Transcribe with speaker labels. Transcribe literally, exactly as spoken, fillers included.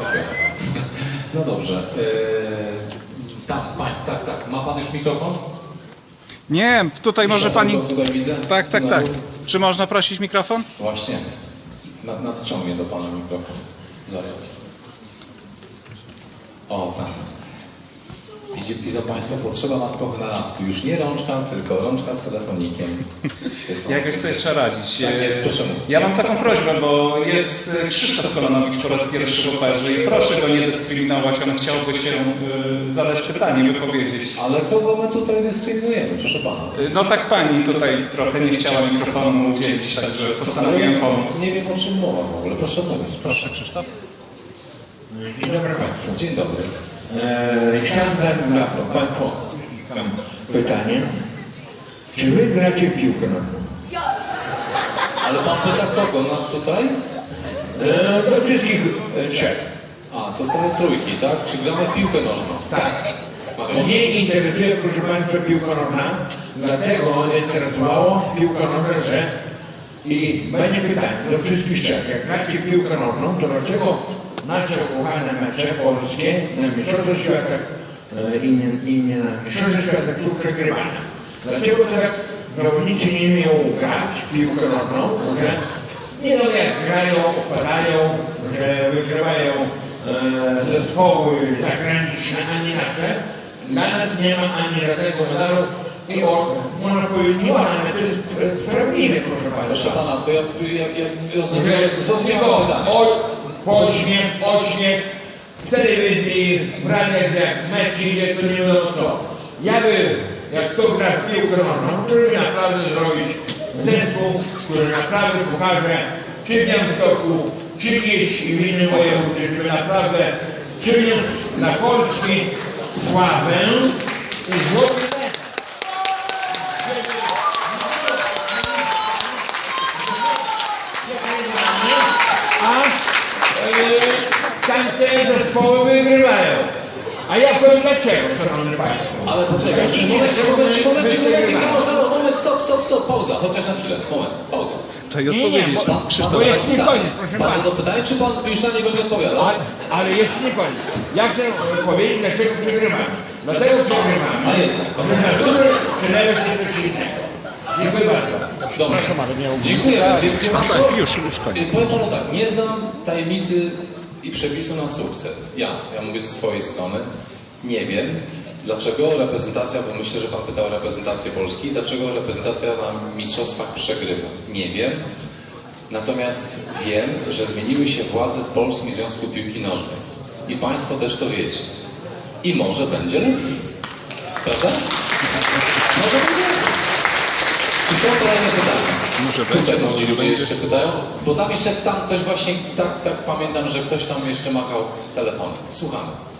Speaker 1: Okej. No dobrze. Yy, tam, państw, tak, tak. Ma pan już mikrofon?
Speaker 2: Nie, tutaj może pani...
Speaker 1: Tutaj widzę.
Speaker 2: Tak, tak, tak. Czy można prosić mikrofon?
Speaker 1: Właśnie. Nad, nadciągnie do pana mikrofon. Zaraz. O, tak. Widzi, widzą państwo, potrzeba ma tylko wynalazku. Już nie rączka, tylko rączka z telefonikiem.
Speaker 2: Jakoś sobie trzeba radzić.
Speaker 1: Tak jest, proszę mówić.
Speaker 2: Ja mam taką prośbę, bo jest Krzysztof Kolanowicz po raz pierwszy w operze i proszę go nie dyskryminować, on chciałby się y, zadać pytanie, wypowiedzieć.
Speaker 1: Ale kogo my tutaj dyskryminujemy, proszę pana?
Speaker 2: No tak pani tutaj trochę nie chciała mikrofonu udzielić, także postanowiłem pomóc.
Speaker 1: Nie wiem, o czym mowa w ogóle. Proszę mówić.
Speaker 2: Proszę, Krzysztof.
Speaker 3: Dzień dobry Państwu.
Speaker 1: Dzień dobry.
Speaker 3: Eee, chciałem zadać na Państwu pytanie. Czy Wy gracie w piłkę nożną?
Speaker 1: Ale pan pyta kogo? Nas tutaj?
Speaker 3: Eee, do wszystkich e, trzech.
Speaker 1: A, to same trójki, tak? Czy gramy w piłkę nożną?
Speaker 3: Tak. Mnie interesuje, proszę Państwa, piłka nożna. Dlatego interesowało piłka nożna, że i będzie pytanie do wszystkich trzech. Jak gracie w piłkę nożną, to dlaczego nasze ukochane mecze polskie na Mistrzostwach Świata e, i, nie, i nie na Mistrzostwach Świata są przegrywane? Dlaczego tak zawodnicy nie umieją grać w piłkę nożną, że nie no jak grają, opadają, że wygrywają e, zespoły zagraniczne, ani nasze. Dla nas nie ma ani żadnego medalu i o, można powiedzieć, nie ma, ale to jest sprawiedliwe, proszę Państwa.
Speaker 1: Proszę pana, to ja, ja, ja rozumiem, zrozumiałem
Speaker 3: Tylko
Speaker 1: pytanie.
Speaker 3: Ośmiech, ośmiech, w telewizji, w radiach, jak mecz idzie, to nie wiadomo co. Ja by, jak kto gra w piłkę nożną, to by naprawdę zrobić zespół, który naprawdę pokaże, czy w Białymstoku, czy gdzieś w innym województwie, żeby naprawdę przyniósł dla Polski sławę i złoty medal. A tamte zespoły wygrywają. A ja powiem dlaczego, szanowni Państwo.
Speaker 1: Ale poczekaj, momencik, momencik, momencik, momencik, no, no, moment, stop, stop, stop, pauza, chociaż na chwilę, moment, pauza.
Speaker 2: To i odpowiedzieć.
Speaker 3: Nie, nie,
Speaker 1: Pan,
Speaker 2: Krzysztof,
Speaker 1: pan
Speaker 3: bo jest nie
Speaker 1: pytanie.
Speaker 3: koniec, proszę
Speaker 1: Pan
Speaker 3: pana.
Speaker 1: to pytanie, czy pan już na nie będzie odpowiadał?
Speaker 3: Ale, ale jeszcze nie koniec. Ja chcę powiedzieć, dlaczego przegrywamy. Dlatego przegrywamy.
Speaker 1: A jednak.
Speaker 3: Że natury przylewa się coś innego. Dziękuję bardzo.
Speaker 1: Dobrze, dziękuję. Wie, wie pan co?
Speaker 2: tak, już, już koniec.
Speaker 1: Powiem panu tak, nie znam tajemnicy i przepisu na sukces. Ja, ja mówię ze swojej strony, nie wiem, dlaczego reprezentacja, bo myślę, że pan pytał o reprezentację Polski, dlaczego reprezentacja na mistrzostwach przegrywa. Nie wiem. Natomiast wiem, że zmieniły się władze w Polskim Związku Piłki Nożnej. I państwo też to wiecie. I może będzie lepiej. Prawda? Może będzie lepiej. Czy są kolejne pytania?
Speaker 2: Może
Speaker 1: Tutaj
Speaker 2: będzie,
Speaker 1: młodzi
Speaker 2: może
Speaker 1: ludzie
Speaker 2: będzie.
Speaker 1: jeszcze pytają, bo tam jeszcze, tam też właśnie, tak, tak pamiętam, że ktoś tam jeszcze machał telefonem. Słuchamy.